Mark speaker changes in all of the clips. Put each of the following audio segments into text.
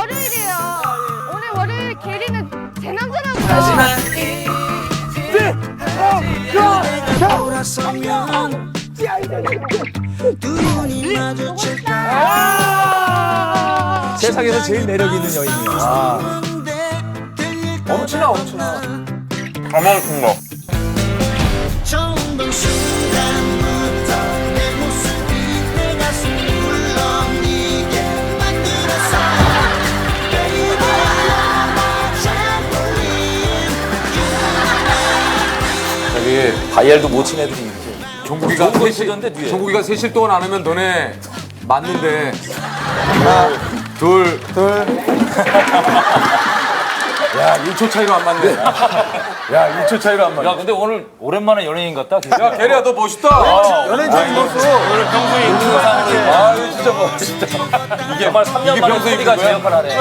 Speaker 1: 월요일이에요. 오늘 월요일 게리는 제 남자라고요.
Speaker 2: 세상에서 제일 매력 있는 여인이에요.
Speaker 3: 엄청나 엄청나.
Speaker 4: 가만있습니다.
Speaker 5: 처음 본 순간부터 내 모습이 내 가슴 울렁이게 만들었어. Baby, you're my trampoline.
Speaker 3: 여기
Speaker 2: 다이얼도 못 친 애들이 이렇게.
Speaker 3: 종국이가
Speaker 2: 좋은 거
Speaker 3: 셋이
Speaker 2: 있었는데, 뒤에.
Speaker 3: 종국이가 셋일 동안 안 하면 너네 맞는데. 하나, 둘. 야, 1초 차이로 안 맞네. 야, 1초 차이로 안 맞네.
Speaker 2: 야, 근데 오늘 오랜만에 연예인 같다.
Speaker 3: 야, 게리야, 너 멋있다.
Speaker 2: 연예인 잘 입었어. 오늘 평소에 입는 의상으로. 아, 이거 진짜 멋있다. 이게 정말 3년 만에
Speaker 3: 평소에
Speaker 2: 소리가
Speaker 3: 입는
Speaker 2: 제
Speaker 3: 거야?
Speaker 2: 역할을 하네.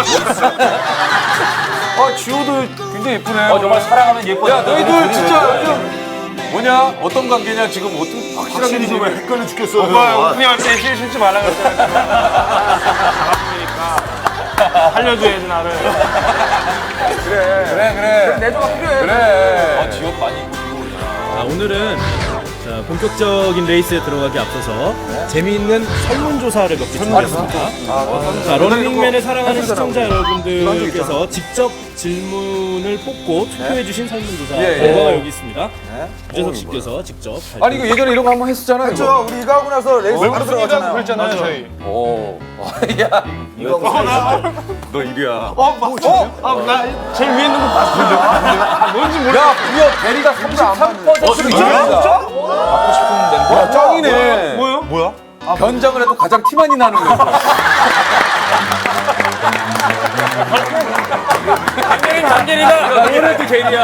Speaker 3: 아, 지호도 굉장히 예쁘네.
Speaker 2: 정말 사랑하면 예뻐.
Speaker 3: 야, 너희들 진짜 뭐냐? 어떤 관계냐? 지금 어떤 확실하게 지금
Speaker 4: 헷갈려 죽겠어.
Speaker 6: 오빠 오프닝 할때 실 신지 말라 그랬잖아. 살려줘야지 나를.
Speaker 3: 그래.
Speaker 2: 내조가 필요해.
Speaker 3: 그래.
Speaker 2: 지역 많이 입고.
Speaker 7: 자, 오늘은 자, 본격적인 레이스에 들어가기 앞서서 재미있는 설문조사를 몇 개 준비했습니다. 자, 러닝맨을 사랑하는 시청자 여러분들께서 직접 질문을 뽑고 투표해주신 설문조사 결과가 여기 있습니다. 유재석 씨께서 직접
Speaker 3: 아니 이거 예전에 이런 거 한번 했었잖아.
Speaker 2: 그렇죠. 우리 이거 하고 나서 레이스 바로 들어갔잖아요.
Speaker 6: 그랬잖아요 저희.
Speaker 3: 오.
Speaker 2: 야,
Speaker 3: 너 1위야.
Speaker 6: 나 제일 위에 있는 거 봤어. 뭔지 모르.
Speaker 3: 야, 무려 대리가 33%로 이깁니다.
Speaker 2: 받고 싶은 멤버.
Speaker 3: 야, 짱이네.
Speaker 6: 뭐요?
Speaker 3: 변장을 해도 가장 티 많이 나는 거.
Speaker 2: 장계리다. 오늘도 게리야.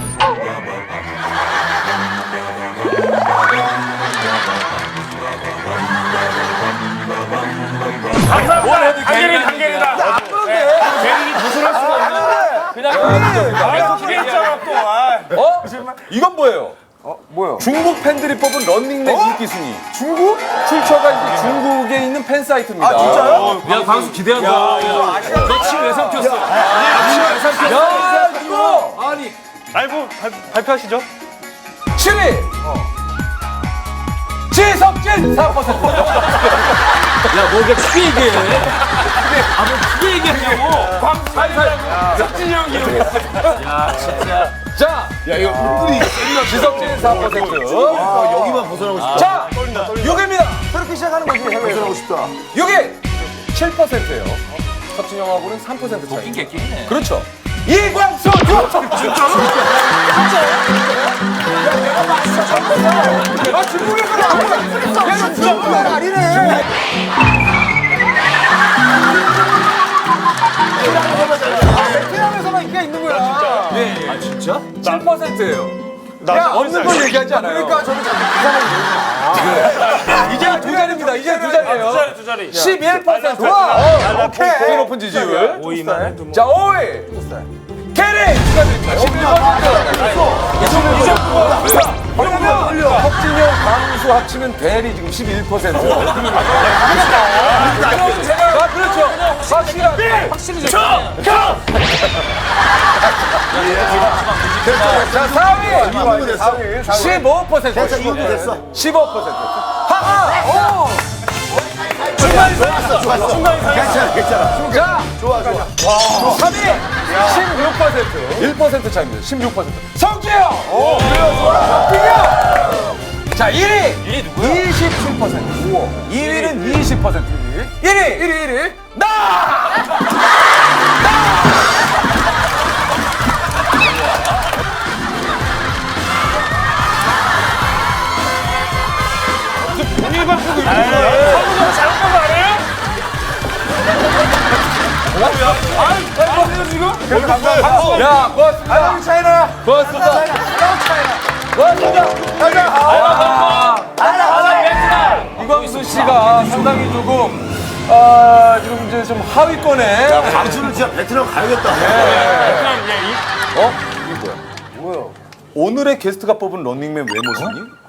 Speaker 6: 단계리다. 제일이 벗어날 수가 없네.
Speaker 2: 그냥
Speaker 6: 기대했잖아 또.
Speaker 3: 어? 이건 뭐예요? 뭐요? 중국 팬들이 뽑은 런닝맨 인기 순위. 중국? 출처가 이제 중국에 있는 팬 사이트입니다. 아, 진짜요?
Speaker 2: 야, 광수 기대한다. 너침왜 삼켰어? 너침왜 삼켰어?
Speaker 3: 야, 이거! 아니,
Speaker 6: 라이브 발표하시죠.
Speaker 3: 7위! 지석진 4%.
Speaker 2: 야, 뭐 이렇게 크게 얘기해. 뭐 크게 얘기하냐고.
Speaker 6: 석진이 형 기록했어.
Speaker 2: 야, 진짜.
Speaker 3: 자, 야, 이거 은근히 지석진 4%.
Speaker 4: 여기만 벗어나고 싶다.
Speaker 3: 자, 6위입니다. 그렇게 시작하는 거지.
Speaker 4: 벗어나고 싶다.
Speaker 3: 6위 7%예요. 석진 형하고는 3% 차이.
Speaker 2: 낀게 끼네.
Speaker 3: 그렇죠. 이광수! 아, 중국에 그래. 얘는 중국은 아니네. 베트남에서만 인기가 있는 거야. 아, 진짜? 7%예요. 야, 없는 걸 얘기하지 않아요. 그러니까 저는 이제 두 자리입니다. 이제 두 자리예요.
Speaker 6: 두 자리.
Speaker 3: 11%. 와, 오케이. 제일 높은 지지율.
Speaker 6: 5위만.
Speaker 3: 자, 5위. 캐리 축하드립니다. 11%. 그러면 석진영, 강수 합치면 대리 지금 11%. 아, 그렇죠. 확실히. 자, 4위. 15%.
Speaker 4: 됐어, 이것도 됐어.
Speaker 3: 15%. 하하! 오!
Speaker 4: 괜찮아.
Speaker 3: 자, 좋아. 3위 16%. 1% 차입니다. 16%. 성재형. 오, 그래요. 좋아. 성재형. 자, 1위 누구야? 27%. 우와. 2위는 20%. 1위. 나!
Speaker 6: 본인 발표도 있는 거야. 사무장 잘못한 거 아니에요?
Speaker 3: 야, 고맙습니다. 우리 차이나. 고맙습니다. 이광수 씨가 상당히 조금 지금 이제 좀 하위권에.
Speaker 4: 광수는 진짜 베트남 가야겠다.
Speaker 3: 오늘의 게스트가 뽑은 런닝맨 외모순위